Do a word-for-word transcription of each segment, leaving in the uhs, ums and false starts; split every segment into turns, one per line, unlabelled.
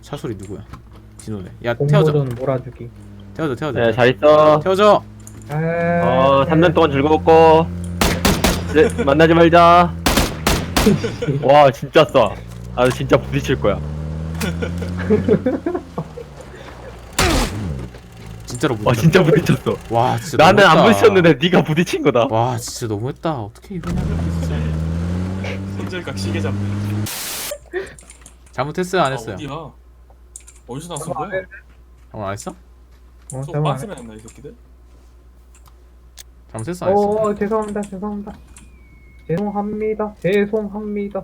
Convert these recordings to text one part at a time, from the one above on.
차 소리 누구야? 진호네. 야 태워줘.
공모전 몰아주기.
태워줘 태워줘.
네, 잘 있어.
태워줘.
어, 삼 년 동안 즐거웠고. 이제 만나지 말자. 와, 진짜 싸. 아, 진짜 부딪힐 거야.
진짜로
와,
부딪혔다.
진짜 부딪혔어.
와 진짜
나는 안
너무했다.
부딪혔는데 네가 부딪힌 거다.
와 진짜 너무했다. 어떻게 이러냐 진짜.
손절각 시계 잡네.
잘못했어요 안
아,
했어요?
어디야? 어디서 나선 거야?
잘못 안 했어?
어,
속
잠깐만.
빤스맨 했나 이 새끼들?
잘못했어 안 했어?
어, 죄송합니다, 죄송합니다. 죄송합니다, 죄송합니다.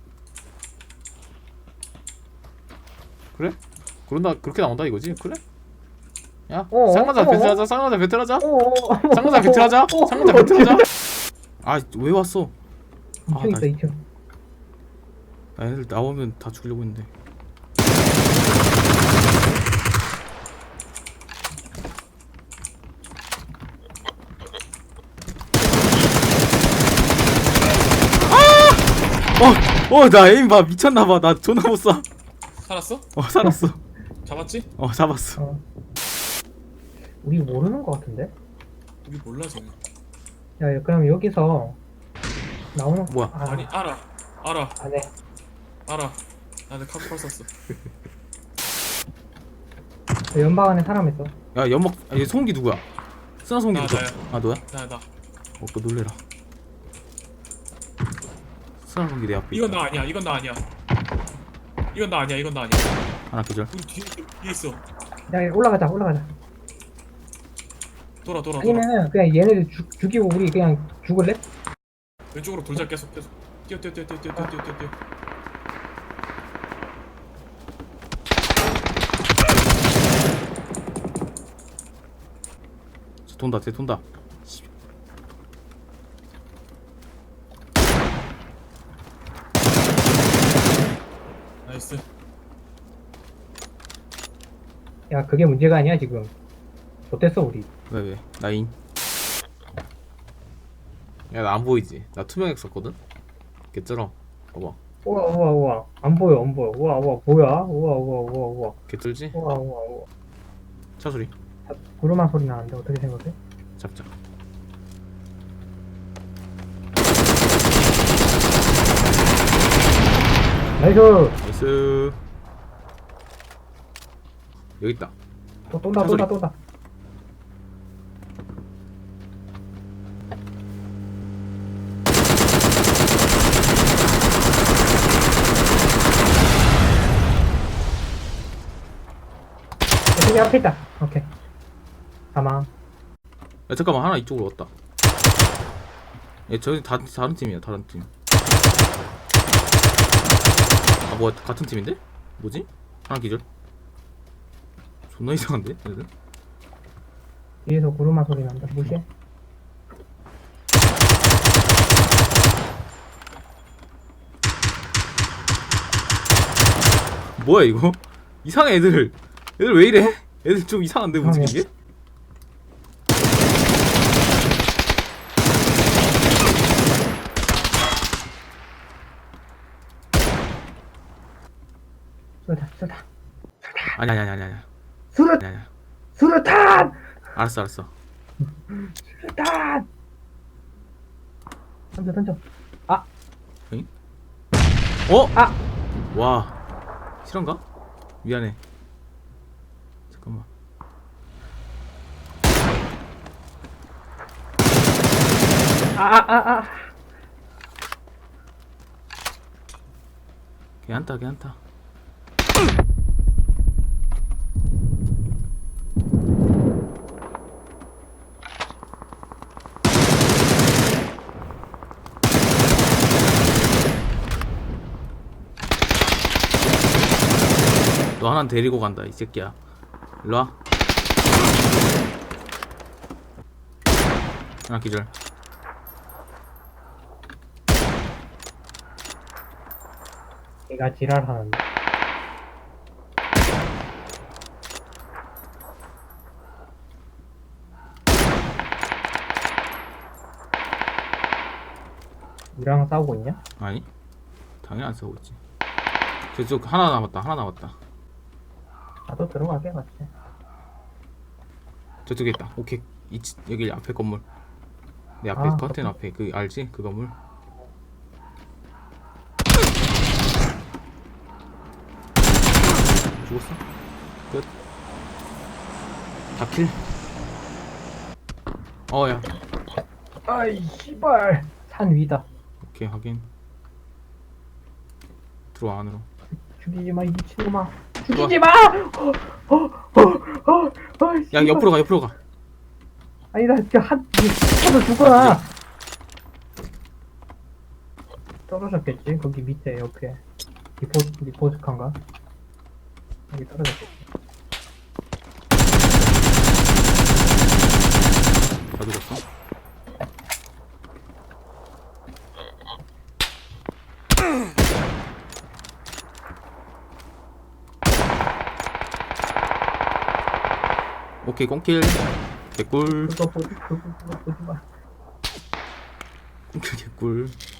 그래? 그런다 그렇게 나온다 이거지? 그래? 야
어,
쌍마자
어,
배틀하자 쌍마자 배틀하자
어,
쌍마자 배틀하자 쌍마자 배틀하자. 아 왜 왔어? 아,
이층 있어,
나-
이층.
아, 애들 나오면 다 죽이려고 했는데. 아! 어! 어! 나 에임 봐 미쳤나봐. 나 존나 못 쏴.
살았어?
어 살았어.
잡았지?
어 잡았어.
어. 우리 모르는 거 같은데?
우리 몰라 쟤네.
야, 야, 그럼 여기서 나오는
뭐야?
아,
아니 알아 알아
안 해.
알아. 나는 카쿠팔 썼어.
연방 안에 사람 있어.
야 연막. 아, 얘 소음기 누구야? 쓰나 소음기
나,
누구야?
나야.
아 너야?
나 나.
어 그거 놀래라. 쓰나 소음기 내 앞에.
이건
있다.
나 아니야. 이건 나 아니야. 이건 나 아니야. 이건 나 아니야.
하나 계절.
우리 뒤에 뒤에 있어.
야, 올라가자, 올라가자.
돌아 돌아 돌아.
아니면은 그냥 얘네들 죽, 죽이고 우리 그냥 죽을래?
왼쪽으로 돌자 계속 계속. 뛰어 뛰어 뛰어 뛰어 뛰어 뛰어 뛰어 뛰어.
저 돈다 쟤 돈다.
나이스.
야, 그게 문제가 아니야 지금. 어땠어 우리?
왜 왜? 나인. 야 나 안 보이지? 나 투명액 썼거든? 개쩔어. 봐봐.
우와 우와 우와 안 보여 안 보여. 우와 우와 뭐야? 우와 우와 우와 우와
개쩔지?
우와 우와 우와.
차 소리.
자, 구르마 소리 나는데 어떻게 생각해?
잡자.
나이스.
나이스. 여기 있다.
또 쏜다
소리.
쏜다 쏜다. 저기 앞에 있다. 오케이. 가망.
야 잠깐만 하나 이쪽으로 왔다. 야 저기 다 다른 팀이야 다른 팀. 아 뭐야 같은 팀인데? 뭐지? 하나 기절. 존나 이상한데 얘들?
뒤에서 구르마 소리 난다. 무시해.
뭐야 이거? 이상해 애들. 애들 왜 이래? 애들 좀 이상한데 움직이게?
쏘다 쏘다.
아니 아니 아니 아니 아니
수류
아니 아니.
수류탄
알았어 알았어.
수류탄. 던져 던져. 아
어?
아.
와 실화인가? 미안해. 잠깐만.
아아아 아.
괜찮다 괜찮다. 너 하나 데리고 간다 이 새끼야. 일로와. 하나 기절.
얘가 지랄하는데. 우리랑 싸우고 있냐?
아니 당연히 안 싸우고 있지. 저쪽 하나 남았다 하나 남았다.
나도 들어가게 같이.
저쪽에 있다. 오케이. 이, 치- 여기 앞에 건물. 내 앞에
아,
커튼 앞에 그 알지? 그 건물. 죽었어? 끝. 다 킬. 어야.
아이 씨발. 산 위다.
오케이 확인. 들어와 안으로.
죽이지 마 이 미친놈아.
들어와.
죽이지 마. 어, 어, 어, 어, 어,
야
씨발.
옆으로 가 옆으로 가.
아니 나 진짜 한 하도 죽어라. 떨어졌겠지? 거기 밑에 옆에 리포 리포스칸가? 여기 떨어졌겠지.
다 죽었어. 오케이 꽁킬. 개꿀.
그거 보지 그거 그거 보지 마.
꽁킬 개꿀.